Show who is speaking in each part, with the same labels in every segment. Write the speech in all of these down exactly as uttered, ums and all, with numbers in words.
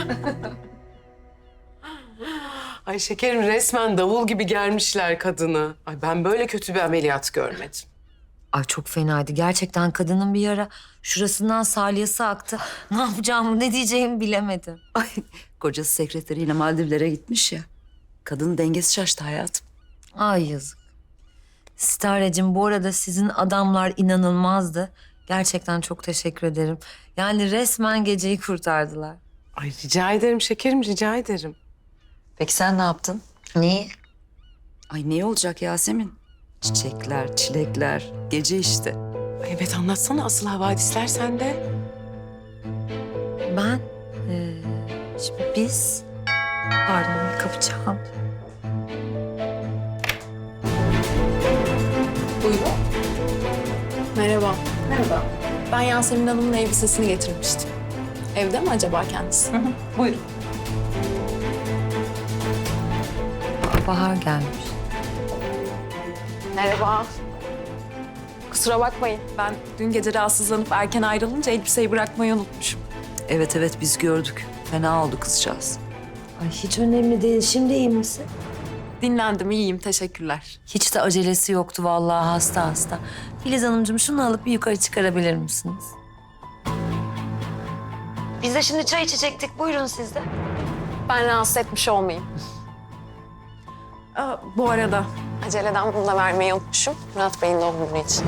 Speaker 1: Ay şekerim, resmen davul gibi germişler kadını. Ay ben böyle kötü bir ameliyat görmedim.
Speaker 2: Ay çok fenaydı. Gerçekten kadının bir ara şurasından salyası aktı. Ne yapacağımı, ne diyeceğimi bilemedim.
Speaker 3: Ay kocası sekreteriyle Maldivlere gitmiş ya. Kadının dengesi şaştı hayatım.
Speaker 2: Ay yazık. Starecim, bu arada sizin adamlar inanılmazdı. Gerçekten çok teşekkür ederim. Yani resmen geceyi kurtardılar.
Speaker 1: Ay rica ederim şekerim, rica ederim.
Speaker 3: Peki sen ne yaptın?
Speaker 2: Neyi?
Speaker 3: Ay ne olacak Yasemin? Çiçekler, çilekler, gece işte.
Speaker 1: Ay evet, anlatsana asıl havadisler sende.
Speaker 2: Ben, eee, şimdi biz... Pardon, bir kapı çaldı.
Speaker 4: Buyurun. Merhaba. Merhaba. Ben Yasemin Hanım'ın elbisesini getirmiştim. Evde mi acaba kendisi? Hı hı.
Speaker 3: Buyurun.
Speaker 2: Bahar gelmiş.
Speaker 4: Merhaba. Kusura bakmayın. Ben dün gece rahatsızlanıp erken ayrılınca elbiseyi bırakmayı unutmuşum.
Speaker 3: Evet evet biz gördük. Fena oldu kızcağız.
Speaker 2: Ay hiç önemli değil. Şimdi iyi misin?
Speaker 4: Dinlendim, iyiyim. Teşekkürler.
Speaker 2: Hiç de acelesi yoktu vallahi, hasta hasta. Filiz Hanımcığım, şunu alıp bir yukarı çıkarabilir misiniz? Biz de şimdi çay içecektik. Buyurun siz de.
Speaker 4: Ben rahatsız etmiş olmayayım. Aa, bu arada aceleden bunu da vermeyi unutmuşum. Murat Bey'in doğum günü için.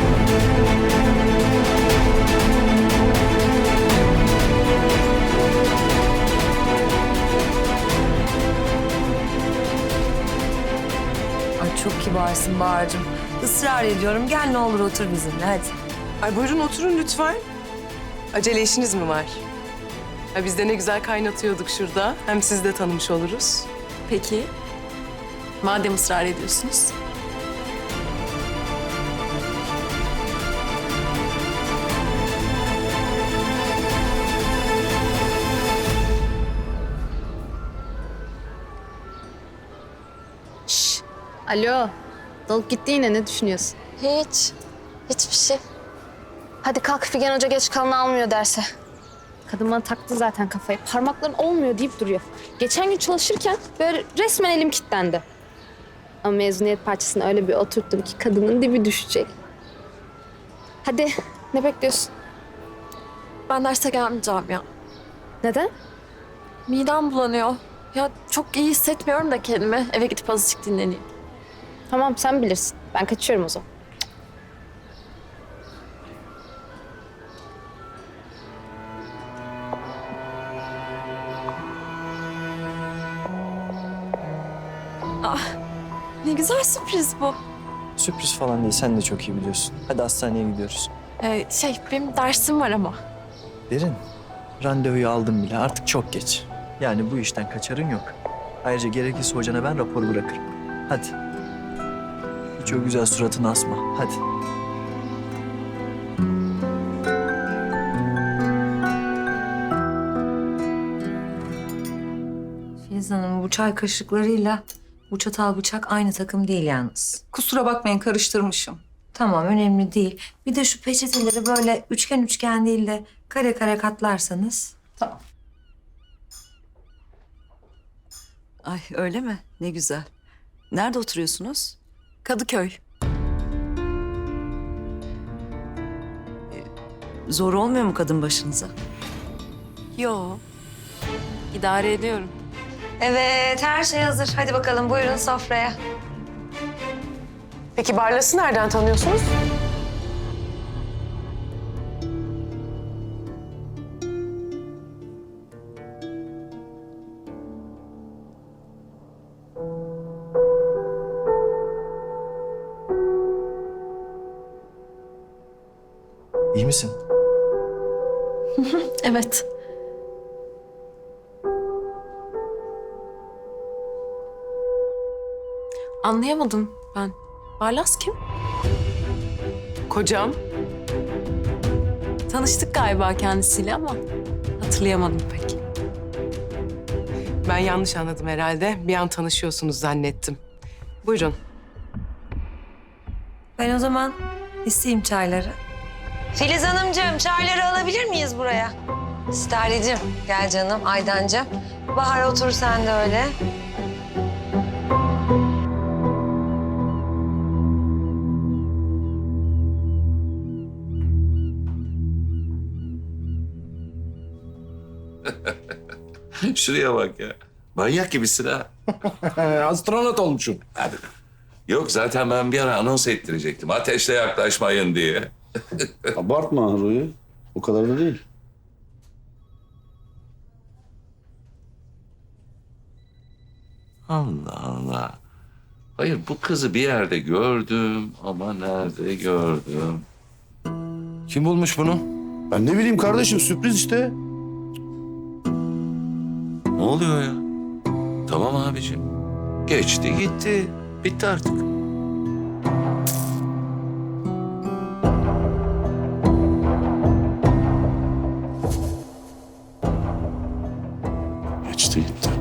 Speaker 2: Ay çok kibarsın Bahar'cığım. Israr ediyorum. Gel ne olur otur bizimle hadi.
Speaker 1: Ay buyurun oturun lütfen. Acele işiniz mi var? Ay biz de ne güzel kaynatıyorduk şurada. Hem sizi de tanımış oluruz.
Speaker 4: Peki. Madem ısrar ediyorsunuz.
Speaker 5: Alo, dalıp gitti yine, ne düşünüyorsun?
Speaker 6: Hiç. Hiçbir şey. Hadi kalk, Figen Hoca geç kalanı almıyor derse.
Speaker 5: Kadın bana taktı zaten kafayı. Parmakların olmuyor deyip duruyor. Geçen gün çalışırken böyle resmen elim kilitlendi. Ama mezuniyet parçasını öyle bir oturttum ki kadının dibi düşecek. Hadi, ne bekliyorsun?
Speaker 6: Ben derse gelmeyeceğim ya.
Speaker 5: Neden?
Speaker 6: Midem bulanıyor. Ya çok iyi hissetmiyorum da kendimi. Eve gidip azıcık dinleneyim.
Speaker 5: Tamam, sen bilirsin. Ben kaçıyorum o zaman.
Speaker 6: Ne güzel sürpriz bu.
Speaker 7: Sürpriz falan değil, sen de çok iyi biliyorsun. Hadi hastaneye gidiyoruz.
Speaker 6: Ee, şey, benim dersim var ama.
Speaker 7: Derin, randevuyu aldım bile. Artık çok geç. Yani bu işten kaçarın yok. Ayrıca gerekirse hocana ben rapor bırakırım. Hadi. Hiç o güzel suratını asma. Hadi.
Speaker 2: Filiz Hanım, bu çay kaşıklarıyla bu çatal bıçak aynı takım değil yalnız.
Speaker 8: Kusura bakmayın, karıştırmışım.
Speaker 2: Tamam, önemli değil. Bir de şu peçeteleri böyle üçgen üçgen değil de kare kare katlarsanız.
Speaker 8: Tamam.
Speaker 3: Ay öyle mi? Ne güzel. Nerede oturuyorsunuz?
Speaker 4: Kadıköy.
Speaker 3: Zor olmuyor mu kadın başınıza?
Speaker 4: Yo. İdare ediyorum.
Speaker 2: Evet, her şey hazır. Hadi bakalım, buyurun sofraya.
Speaker 1: Peki Barlas'ı nereden tanıyorsunuz?
Speaker 7: İyi misin?
Speaker 6: Evet.
Speaker 4: Anlayamadım ben. Barlas kim?
Speaker 1: Kocam.
Speaker 4: Tanıştık galiba kendisiyle ama hatırlayamadım pek.
Speaker 1: Ben yanlış anladım herhalde. Bir an tanışıyorsunuz zannettim. Buyurun.
Speaker 2: Ben o zaman isteyeyim çayları. Filiz Hanımcığım, çayları alabilir miyiz buraya? Sterlicim gel canım, Aydancığım. Bahar otur sen de öyle.
Speaker 9: Şuraya bak ya. Manyak gibisin ha.
Speaker 10: Astronot olmuşum.
Speaker 9: Hadi. Yok zaten ben bir ara anons ettirecektim. Ateşle yaklaşmayın diye.
Speaker 10: Abartma Ruhi. O kadar da değil.
Speaker 9: Allah Allah. Hayır bu kızı bir yerde gördüm ama nerede gördüm? Kim bulmuş bunu?
Speaker 10: Ben ne bileyim kardeşim, sürpriz işte.
Speaker 9: Ne oluyor ya? Tamam abicim. Geçti gitti. Bitti artık.
Speaker 10: Geçti gitti.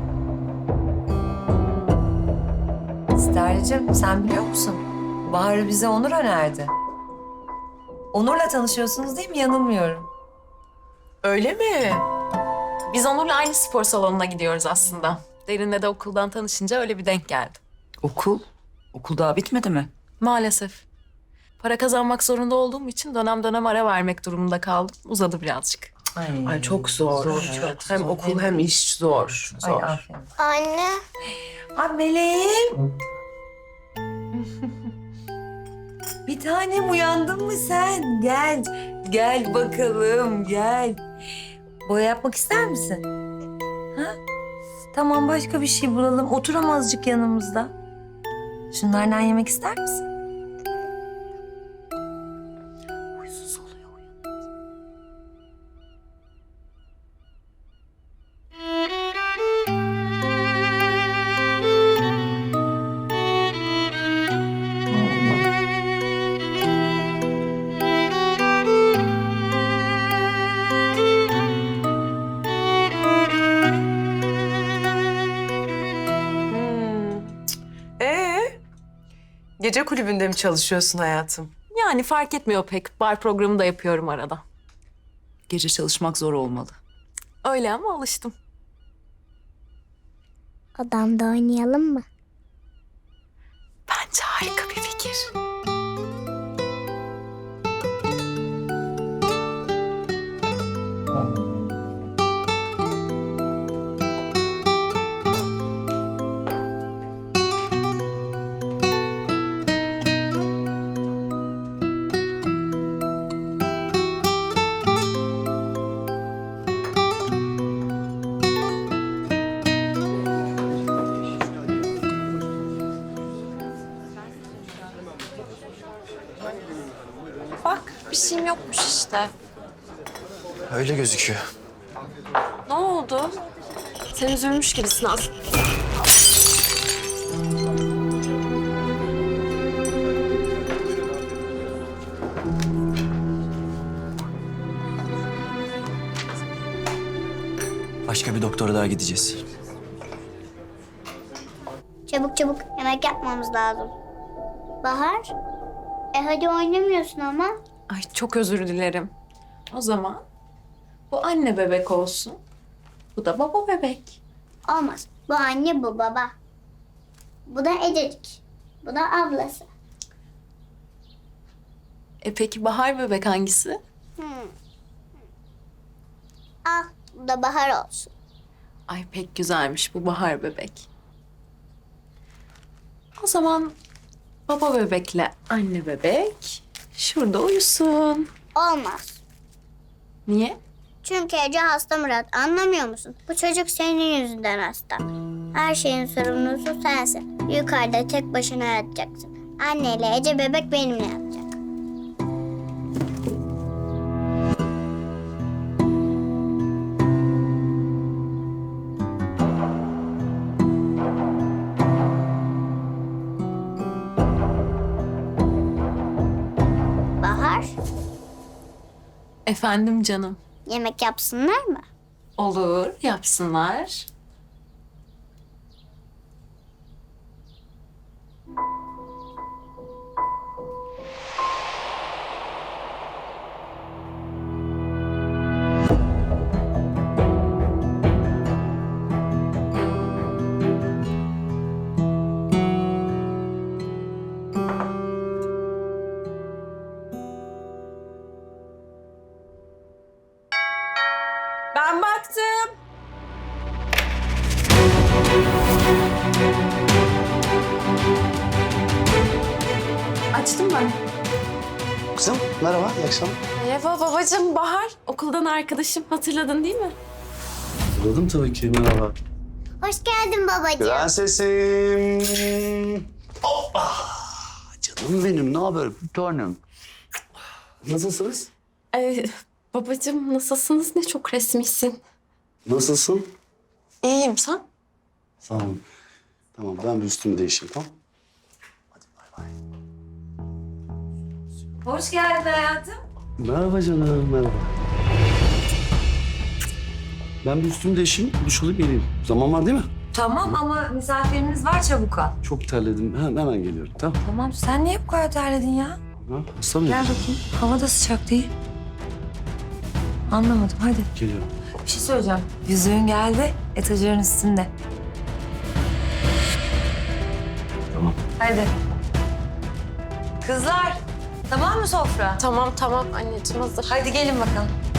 Speaker 2: Sterlicim sen biliyor musun? Bahar'ı bize Onur önerdi. Onur'la tanışıyorsunuz değil mi? Yanılmıyorum.
Speaker 1: Öyle mi?
Speaker 6: Biz Onur'la aynı spor salonuna gidiyoruz aslında. Derin'le de okuldan tanışınca öyle bir denk geldi.
Speaker 3: Okul? Okul daha bitmedi mi?
Speaker 6: Maalesef. Para kazanmak zorunda olduğum için dönem dönem ara vermek durumunda kaldım. Uzadı birazcık.
Speaker 1: Ay çok zor.
Speaker 2: çok
Speaker 1: hem
Speaker 2: zor.
Speaker 1: okul hem iş zor.
Speaker 2: Ay
Speaker 1: Zor.
Speaker 2: aferin.
Speaker 5: Anne.
Speaker 2: Ay meleğim. Bir tanem uyandın mı sen? Gel. Gel bakalım gel. Boya yapmak ister misin? Ha? Tamam başka bir şey bulalım. Otur ama azıcık yanımızda. Şunlardan yemek ister misin? Huysuz oluyor.
Speaker 1: Hmm. Ee, gece kulübünde mi çalışıyorsun hayatım?
Speaker 6: Yani fark etmiyor pek. Bar programı da yapıyorum arada.
Speaker 3: Gece çalışmak zor olmalı.
Speaker 6: Öyle ama alıştım.
Speaker 5: Odamda oynayalım mı?
Speaker 6: Bence harika bir fikir. Bak bir şeyim yokmuş işte.
Speaker 7: Öyle gözüküyor.
Speaker 6: Ne oldu? Sen üzülmüş gibisin aslında.
Speaker 7: Başka bir doktora daha gideceğiz.
Speaker 11: Çabuk çabuk yemek yapmamız lazım. Bahar, e hadi oynamıyorsun ama.
Speaker 6: Ay çok özür dilerim. O zaman bu anne bebek olsun. Bu da baba bebek.
Speaker 11: Olmaz. Bu anne, bu baba. Bu da Ececik. Bu da ablası.
Speaker 6: E peki Bahar bebek hangisi?
Speaker 11: Al, bu da Bahar olsun.
Speaker 6: Ay pek güzelmiş bu Bahar bebek. O zaman baba bebekle anne bebek şurada uyusun.
Speaker 11: Olmaz.
Speaker 6: Niye?
Speaker 11: Çünkü Ece hasta Murat. Anlamıyor musun? Bu çocuk senin yüzünden hasta. Her şeyin sorumlusu sensin. Yukarıda tek başına yatacaksın. Anneyle Ece bebek benimle yatacak. Bahar,
Speaker 6: Efendim canım.
Speaker 11: yemek yapsınlar mı?
Speaker 6: Olur, yapsınlar.
Speaker 2: Ben baktım.
Speaker 4: Açtım ben.
Speaker 10: Kızım merhaba, iyi akşamlar.
Speaker 4: Merhaba babacığım, Bahar. Okuldan arkadaşım. Hatırladın değil mi?
Speaker 10: Hatırladım tabii ki, merhaba.
Speaker 11: Hoş geldin babacığım.
Speaker 10: Prensesim. Hoppa. Canım benim, ne haber? Bir tanem. Nasılsınız?
Speaker 4: Ee, babacığım nasılsınız? Ne çok resmisin.
Speaker 10: Nasılsın?
Speaker 4: İyiyim, sen?
Speaker 10: Sağ olun. Tamam, ben bir üstümü değişeyim, tamam? Hadi bay bay.
Speaker 2: Hoş geldin hayatım.
Speaker 10: Merhaba canım, merhaba. Ben bir üstümü değişeyim, duş alıp geleyim. Zaman var değil mi?
Speaker 2: Tamam ama misafirimiz var, çabuk al.
Speaker 10: Çok terledim, hemen, hemen geliyorum, tamam?
Speaker 2: Tamam, sen niye bu kadar terledin ya?
Speaker 10: Ha, hasta mıyım?
Speaker 2: Gel bakayım. Hava da sıcak değil. Anlamadım, hadi.
Speaker 10: Geliyorum.
Speaker 2: Bir şey söyleyeceğim. Yüzüğün geldi, etajların üstünde.
Speaker 10: Tamam.
Speaker 2: Hadi. Kızlar, tamam mı sofra?
Speaker 4: Tamam tamam anneciğim hazır.
Speaker 2: Hadi gelin bakalım.